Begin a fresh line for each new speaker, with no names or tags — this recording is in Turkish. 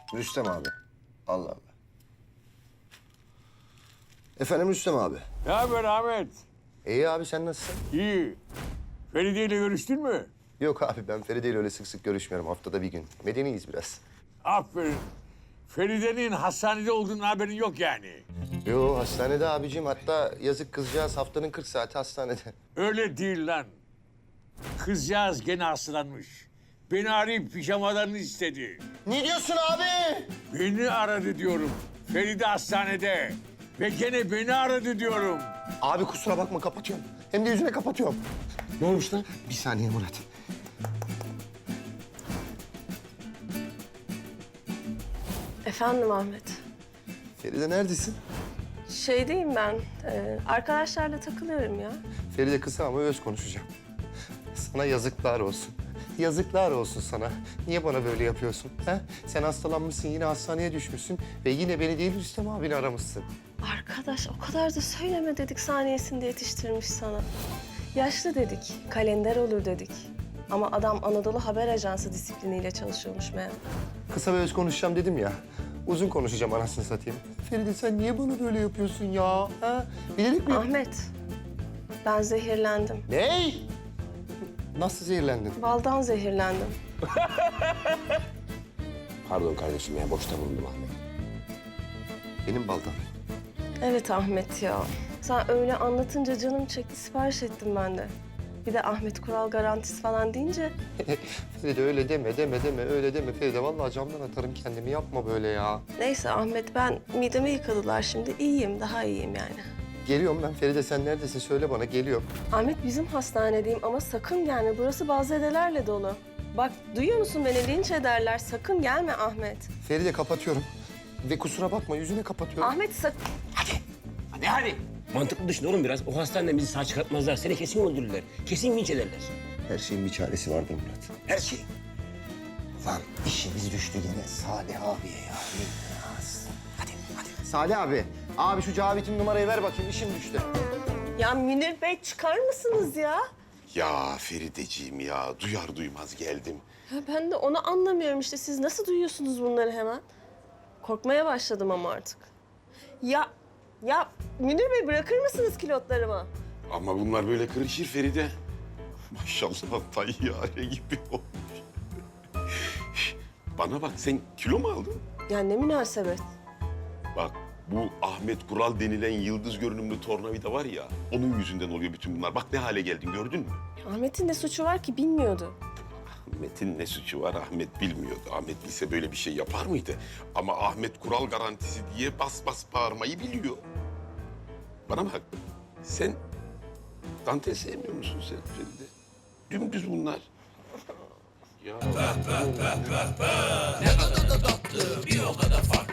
Rüstem abi. Allah Allah. Efendim Rüstem abi.
Ne haber Ahmet?
İyi abi sen nasılsın?
İyi. Feride ile görüştün mü?
Yok abi ben Feride ile öyle sık sık görüşmüyorum. Haftada bir gün. Medeniyiz biraz.
Aferin. Feride'nin hastanede olduğunun haberin yok yani.
Yo hastanede abicim. Hatta yazık kızcağız haftanın 40 saati hastanede.
Öyle değil lan. Kızcağız gene hastalanmış. Beni arayıp pijamalarını istedi.
Ne diyorsun abi?
Beni aradı diyorum. Feride hastanede. Ve gene beni aradı diyorum.
Abi kusura bakma kapatıyorum. Hem de yüzüne kapatıyorum. Ne olmuş lan? Bir saniye Murat.
Efendim Ahmet.
Feride neredesin?
Şeydeyim ben. Arkadaşlarla takılıyorum ya.
Feride kısa ama öz konuşacağım. Sana yazıklar olsun. Yazıklar olsun sana. Niye bana böyle yapıyorsun? Ha? Sen hastalanmışsın, yine hastaneye düşmüşsün ve yine beni değil Rüstem abini aramışsın.
Arkadaş o kadar da söyleme dedik saniyesinde yetiştirmiş sana. Yaşlı dedik, kalender olur dedik. Ama adam Anadolu Haber Ajansı disipliniyle çalışıyormuş meğer.
Kısa ve öz konuşacağım dedim ya. Uzun konuşacağım anasını satayım. Feride sen niye bana böyle yapıyorsun ya? Ha? Bilerek mi?
Ahmet, ben zehirlendim.
Ne? Nasıl zehirlendin?
Baldan zehirlendim.
Pardon kardeşim ya boşta bulundum Ahmet.
Benim baldan.
Evet Ahmet ya. Sen öyle anlatınca canım çekti, sipariş ettim ben de. Bir de Ahmet Kural garantisi falan deyince...
Feride öyle deme, öyle deme Feride. Vallahi camdan atarım kendimi, yapma böyle ya.
Neyse Ahmet, ben midemi yıkadılar şimdi. İyiyim, daha iyiyim yani.
Geliyorum ben. Feride sen neredesin? Söyle bana, geliyorum.
Ahmet bizim hastanedeyim ama sakın gelme. Burası bazedelerle dolu. Bak duyuyor musun beni? Linç ederler. Sakın gelme Ahmet.
Feride kapatıyorum. Ve kusura bakma, yüzüne kapatıyorum.
Ahmet sakın...
Hadi. Mantıklı düşün oğlum biraz. O hastaneden bizi sağ çıkartmazlar. Seni kesin öldürürler. Kesin linç ederler.
Her şeyin bir çaresi vardır Murat.
Her şey.
Lan işimiz düştü gene Salih abiye ya. Hadi. Salih abi. Abi şu Cavit'in numarayı ver bakayım, işim düştü.
Ya Münir Bey çıkar mısınız ya?
Ya Ferideciğim ya, duyar duymaz geldim.
Ya ben de onu anlamıyorum işte. Siz nasıl duyuyorsunuz bunları hemen? Korkmaya başladım ama artık. Ya Münir Bey bırakır mısınız kilotlarımı?
Ama bunlar böyle kırışır Feride. Maşallah tayyare gibi olmuş. Bana bak, sen kilo mu aldın?
Ya ne münasebet.
Bak, bu Ahmet Kural denilen yıldız görünümlü tornavida var ya, onun yüzünden oluyor bütün bunlar. Bak ne hale geldin, gördün mü?
Ahmet'in ne suçu var ki bilmiyordu.
Ahmet'in ne suçu var? Ahmet bilmiyordu. Ahmet bilse böyle bir şey yapar mıydı? Ama Ahmet Kural garantisi diye bas bas bağırmayı biliyor. Bana bak, sen dantel sevmiyor musun sen Feride? Dümdüz bunlar. Ya.
Ne kadar da tatlı, bir o kadar farklı.